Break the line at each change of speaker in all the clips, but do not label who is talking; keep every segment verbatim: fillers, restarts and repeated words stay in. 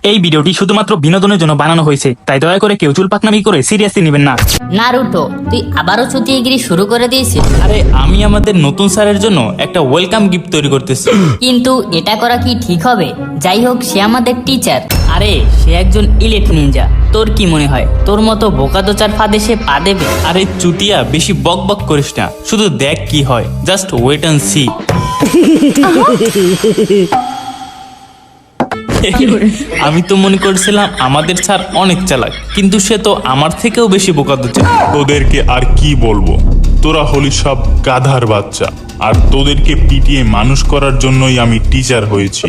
এই ভিডিওটি শুধুমাত্র বিনোদনের জন্য বানানো হয়েছে, তাই দয়া করে কেউ চুল পাকনামি করে সিরিয়াসলি নেবেন না।
নারুটো, তুই আবারও চুতিয়েগিরি শুরু করে দিয়েছিস।
আরে আমি আমাদের নতুন স্যারের জন্য একটা ওয়েলকাম গিফট তৈরি করতেছি।
কিন্তু এটা করা কি ঠিক হবে? যাই হোক, সে আমাদের টিচার। আরে সে একজন ইলিট নিনজা। তোর কি মনে হয় তোর মতো বোকাদোচার ফাঁদে সে পা দেবে?
আরে চুটিয়া, বেশি বক বক করিস না, শুধু দেখ কি হয়। Just wait and see. আমি তো মনে করছিলাম আমাদের স্যার অনেক চালাক, কিন্তু সে তো আমার থেকেও বেশি বোকাদোচা।
তোদেরকে আর কি বলবো, তোরা হলি সব গাধার বাচ্চা, আর তোদেরকে পিটিয়ে মানুষ করার জন্যই আমি টিচার হয়েছি।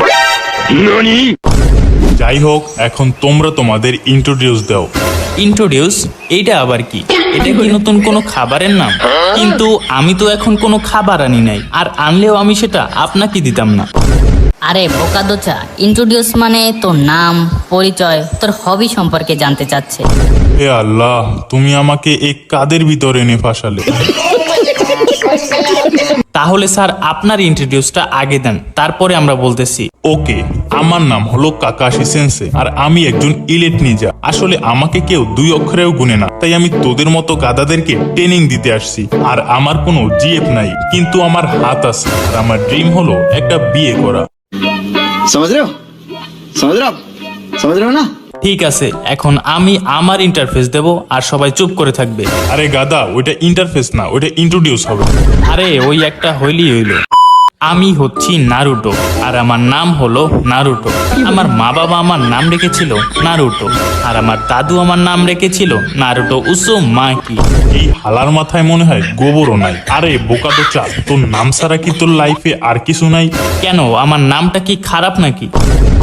যাই হোক, এখন তোমরা তোমাদের ইন্ট্রোডিউস দাও।
ইন্ট্রোডিউস? এইটা আবার কি? এটা কি নতুন কোনো খাবারের নাম? কিন্তু আমি তো এখন কোনো খাবার আনি নাই, আর আনলেও আমি সেটা আপনাকে দিতাম না।
আরে বোকাদোচা, ইন্ট্রোডিউস মানে তোর নাম, পরিচয়, তোর হবি সম্পর্কে জানতে চাচ্ছে।
হে আল্লাহ, তুমি আমাকে এই কাদের ভিতরে এনে ফাঁসালে।
তাহলে স্যার আপনার ইন্ট্রোডিউসটা আগে দেন, তারপরে আমরা বলতেছি।
ওকে, আমার নাম হলো কাকাশি সেন্সে, আর আমি একজন ইলেট নিনজা। আসলে আমাকে কেউ দুই অক্ষরেও গুনে না, তাই আমি তোদের মতো গাধাদেরকে ট্রেনিং দিতে আসছি। আর আমার কোনো জিএফ নাই, কিন্তু আমার হাত আছে, আর আমার ড্রিম হলো একটা বিয়ে করা।
समझ रहे हो समझ रहे हो आप समझ रहे हो ना।
ঠিক আছে, এখন আমি আমার ইন্টারফেস দেব, আর সবাই চুপ করে থাকবে।
আরে গাধা, ওইটা ইন্টারফেস না, ওইটা ইন্ট্রোডিউস হবে।
আরে ওই একটা হইলি হইল। আমি হচ্ছি নারুটো, আর আমার নাম হলো নারুটো। আমার মা বাবা আমার নাম রেখেছিল নারুটো, আর আমার দাদু আমার নাম রেখেছিল নারুটো উজুমাকি।
এই হালার মাথায় মনে হয় গোবরও নাই। আরে বোকা তো চা, তোর নাম ছাড়া কি তোর লাইফে আর কিছু নাই?
কেন, আমার নামটা কি খারাপ নাকি?